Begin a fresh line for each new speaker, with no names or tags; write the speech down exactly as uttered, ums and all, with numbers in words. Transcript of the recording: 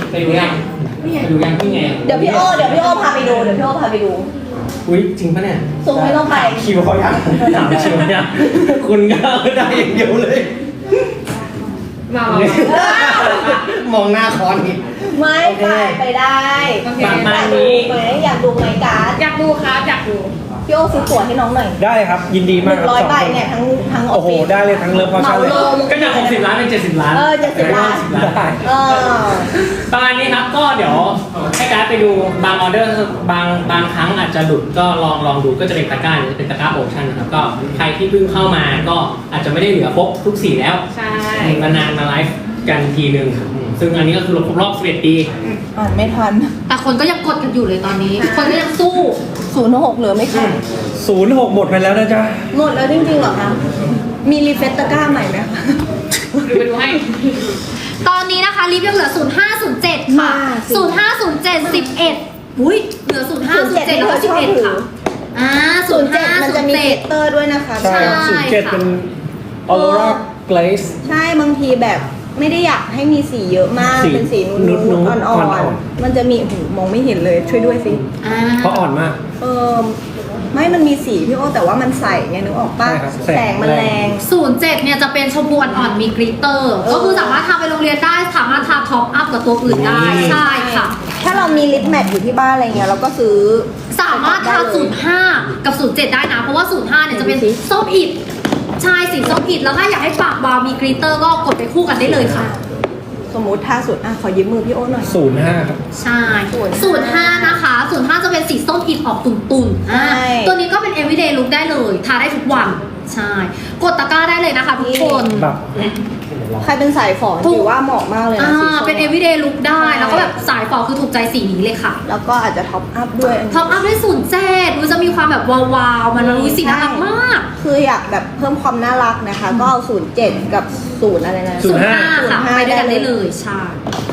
ไปดูยังไปดูยังพี่ไง
เดี๋ยวพี่โอเดี๋ยวพี่โอพาไปดูเดี๋ยวพี่โอพาไปดู
อุ้ยจริงปะเนี่ย
ส่งไม่ต้องไป
คิวเขายังถามคิวเนี่ยคุณก็ได้อย่างเดียวเลย
มา
มองหน้าคอนอีก
ไม่ไปไปได้
ประมาณนี้
ไหมอยากดูไหมการ์ด
อยากดูครับอยากดู
พี่โอซื้อตั๋วให้น้องหน่อย
ได้ครับยินดี
ห
มาก
นึ่
ครับ
งร้อย
สอง
ใบ
คน
เนี่ยทั้งทั้งออ
โอ้
ฟ
โห
ฟิศ
ได้เลยทั้งเลิฟพอ
เห
ชั่
มาน
เลย
ลง
ก็จากหกสิบล้านเป็นเจ็ดสิบล้าน
เออเจ็ดสิบล้าน
ได้
เออ
ประมาณนี้ครับก็เดี๋ยวให้การ์ดไปดูบางออเดอร์บางบางครั้งอาจจะหลุดก็ลองลองดูก็จะเป็นตะกร้าจะเป็นตะกร้าโอชั่นนะครับก็ใครที่เพิ่งเข้ามาก็อาจจะไม่ได้เหลือครบทุกสีแล้ว
ใช่
นานๆมาไลฟ์กันทีหนึ่งซึ่งอันนี้ก็คือครบรอบสิบเอ็ดปี
อ่านไม่ทัน
แต่คนก็ยังกดกันอยู่เลยตอนนี้ คนก็ยังสู้
ศูนย์หกเหลือไม่ขาด
ศูนย์หกหมดไปแล้วนะจ๊ะ
หมดแล้วจริงๆเหรอคะ มีรีเฟซตะกร้าใหม่ไหมคะ
ดูไปดูให้
ตอนนี้นะคะลิฟต์ยังเหลือ ศูนย์ห้าศูนย์เจ็ด ค่ะ
มาสิ
ศูนย์ห้าศูนย์เจ็ด สิบเอ็ดอุ้ยเหลือ ศูนย์ห้าศูนย์เจ็ด แล้วก็สิบเอ็ดค่ะอ่า
ศูนย์เจ็ดมันจะมีกลิตเตอร์ด้วยนะคะ
ใช่
ใช่
ศูนย์เจ็ด
ค่ะ
เป็นออโรราเกลส
ใช่บางทีแบบไม่ได้อยากให้มีสีเยอะมาก
สี
เป็นสีนู
นุ
ด
ดๆ
ๆอ่อน
อ่อน
ๆ
ๆ
มันจะมีโอ้โหมองไม่เห็นเลยช่วยด้วยสิ
อ่า
เพราะอ่อนมาก
เออไม่มันมีสีพี่โอแต่ว่ามันใสไงนึกออกปะ
ใช่ครับ
แสงมันแรง
ศูนย์เจ็ดเนี่ยจะเป็นชมพูอ่อนๆมีกริตเตอร์
เออ
ก็คือสามารถทาไปโรงเรียนได้ สามารถทาท็อปอัพกับตัวอื่นได้
นี่
ใช่ค่ะ
ถ้าเรามีลิปแมทอยู่ที่บ้านอะไรเงี้ยเราก็ซื้อ
สามารถทา ศูนย์ห้า กับ ศูนย์เจ็ด ได้นะ เพราะว่า ศูนย์ห้า เนี่ยจะเป็น
ดูสิ
ส้มอิดใช่สีส้มอิดแล้วถ้าอยากให้ปากวาวมีกริตเตอร์ก็กดไปคู่กันได้เลยค่ะ
สมมติถ้าสุดอ่ะขอยืมมือพี่โอหน่อย
ศูนย์ห้าครับ
ใช่
ศูนย์ห้า
ศูนย์ห้านะคะ ศูนย์ห้า จะเป็นสีส้มอิดออกตุ่นๆอ่า
ใช่
ตัวนี้ก็เป็น everyday look ได้เลย ทาได้ทุกวัน ใช่ กดตะกร้าได้เลยนะคะทุกคน
แบบ
ใครเป็นสายฝอ
ถูก
ถือว่าเหมาะมากเลย
อ่า
นะสีส้ม
เป็น everyday look ได้
ใช่
แล้วก็แบบสายฟอคือถูกใจสีนี้เลยค่ะ
แล้วก็อาจจะท็อปอัพด้วย
ท็อปอัพด้วยศูนย์เจ็ดดูจะมีความแบบวาวๆ มันรู้สีน่ารักมาก
คืออยากแบบเพิ่มความน่ารักนะคะ ก็เอาศูนย์เจ็ดกับศูนย์อะไรนะ
ศูนย์ห้า
ค่ะ
ศูนย์ห้า
ไปด้วยกัน
ได้
ได้
เล
เลย ย ใช่